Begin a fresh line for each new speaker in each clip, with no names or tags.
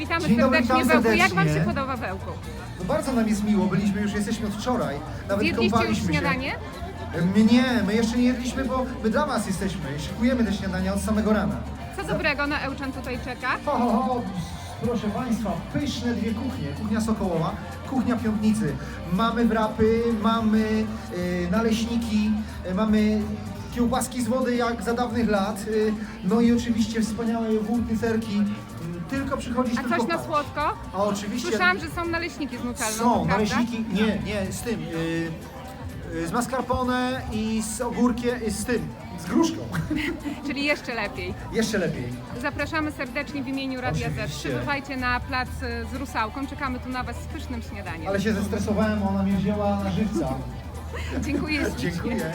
Witamy
Dzień dobry,
serdecznie
witam
w Ełku. Jak Wam
serdecznie.
się podoba w Ełku?
No bardzo nam jest miło, jesteśmy od wczoraj. Nawet
Zjedliście już
kąpaliśmy się.
śniadanie?
Nie, my jeszcze nie jedliśmy, bo my dla Was jesteśmy. Szykujemy te śniadania od samego rana.
Co dobrego na Ełczan tutaj czeka?
Proszę Państwa, pyszne dwie kuchnie. Kuchnia Sokołowa, kuchnia Piątnicy. Mamy wrapy, mamy naleśniki, mamy kiełbaski z wody jak za dawnych lat. No i oczywiście wspaniałe jogurty, serki. Tylko przychodzić,
A
tylko
coś na
paść.
słodko?
A oczywiście.
Słyszałam, że są naleśniki z nutellą,
Są
prawda?
naleśniki, nie, z tym, z mascarpone i z ogórkiem, z tym, z gruszką.
Czyli jeszcze lepiej.
Jeszcze lepiej.
Zapraszamy serdecznie w imieniu Radia Z.
Oczywiście.
Przybywajcie na plac z Rusałką. Czekamy tu na Was z pysznym śniadaniem.
Ale się zestresowałem, ona mnie wzięła na żywca.
Dziękuję ślicznie.
Dziękuję.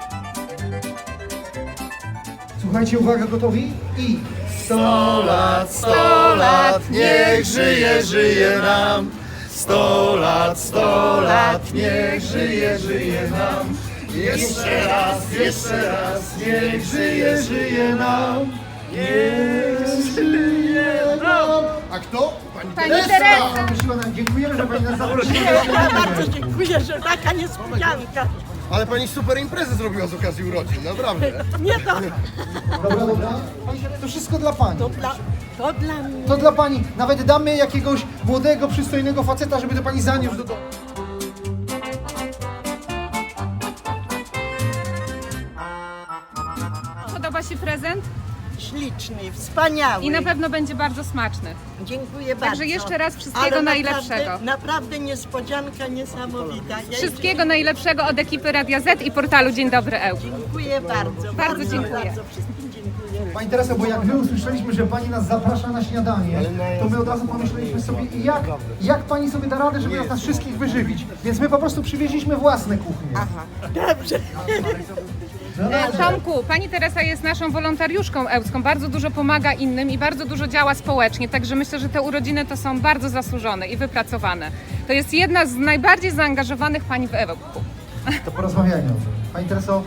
Słuchajcie, uwaga, gotowi? I
100 lat, niech żyje, żyje nam. 100 lat, niech żyje, żyje nam. Jeszcze raz, niech żyje, żyje nam. Niech żyje nam. A kto?
Pani Teresa!
Dziękujemy, że Pani nas zaprosiła.
Bardzo dziękuję, że taka niespodzianka.
Ale pani super imprezę zrobiła z okazji urodzin, naprawdę.
Nie to,
Dobra. To wszystko dla Pani.
to dla mnie.
To dla Pani. Nawet damy jakiegoś młodego, przystojnego faceta, żeby to Pani zaniósł do domu.
Podoba się prezent?
Śliczny, wspaniały.
I na pewno będzie bardzo smaczny.
Dziękuję bardzo.
Także jeszcze raz wszystkiego
Ale
najlepszego.
Naprawdę niespodzianka niesamowita. Ja
Wszystkiego najlepszego od ekipy Radia Z i portalu Dzień Dobry Ełk.
dziękuję bardzo.
Bardzo dziękuję.
Bardzo wszystkim dziękuję.
Pani Teresa, bo jak my usłyszeliśmy, że Pani nas zaprasza na śniadanie, to my od razu pomyśleliśmy sobie, jak Pani sobie da radę, żeby nas wszystkich wyżywić. Więc my po prostu przywieźliśmy własne kuchnie.
Dobrze.
Tomku, Pani Teresa jest naszą wolontariuszką ełcką, bardzo dużo pomaga innym i bardzo dużo działa społecznie, także myślę, że te urodziny to są bardzo zasłużone i wypracowane. To jest jedna z najbardziej zaangażowanych Pani w Ełku.
To porozmawiajmy o tym. Pani Tereso,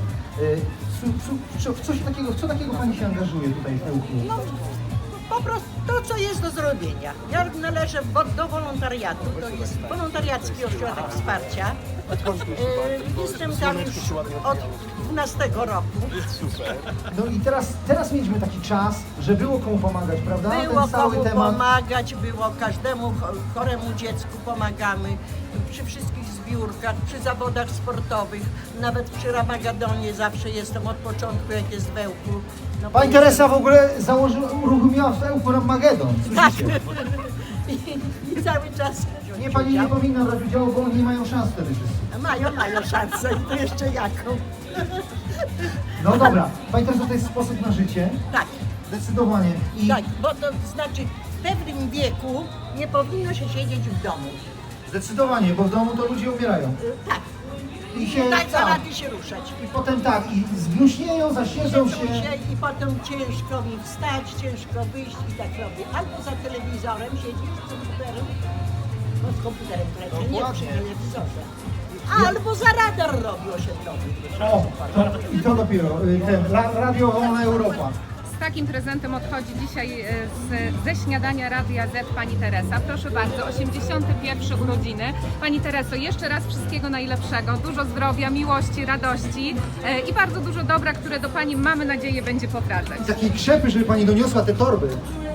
w co takiego Pani się angażuje tutaj w Ełku?
No, po prostu to, co jest do zrobienia. Ja należę do wolontariatu, to jest wolontariacki ośrodek wsparcia. Jestem tam już od 12 roku.
No i teraz mieliśmy taki czas, że było komu pomagać, prawda?
Było
Ten cały
komu
temat.
pomagać, było każdemu choremu dziecku pomagamy. Przy wszystkich zbiórkach, przy zawodach sportowych, nawet przy Ramagedonie zawsze jestem od początku, jak jest w Ełku. No,
Pani Teresa w ogóle uruchomiła w Ełku Ramagedon.
Tak.
Słyszycie?
I cały czas
Nie, Pani nie powinna brać udziału, bo oni nie mają szans wtedy wszyscy.
mają szansę i to jeszcze jaką.
No dobra, Pani Teresa, to jest sposób na życie.
Tak,
Zdecydowanie. I
tak, bo to znaczy w pewnym wieku nie powinno się siedzieć w domu.
zdecydowanie, bo w domu to ludzie umierają.
Tak,
I się
nie daj
tak.
rady się ruszać.
I potem tak, i zgnuśnieją, zasiedzą się.
I potem ciężko mi wstać, ciężko wyjść i tak robię. Albo za telewizorem siedzisz z komputerem, no z komputerem prawie, nie przy telewizorze. Albo za radar robi osiedlowy.
I to dopiero, Radio Wolna Europa.
Z takim prezentem odchodzi dzisiaj ze śniadania Radia Z Pani Teresa. Proszę bardzo, 81 urodziny. Pani Tereso, jeszcze raz wszystkiego najlepszego, dużo zdrowia, miłości, radości i bardzo dużo dobra, które do Pani, mamy nadzieję, będzie powracać.
Takiej krzepy, żeby Pani doniosła te torby.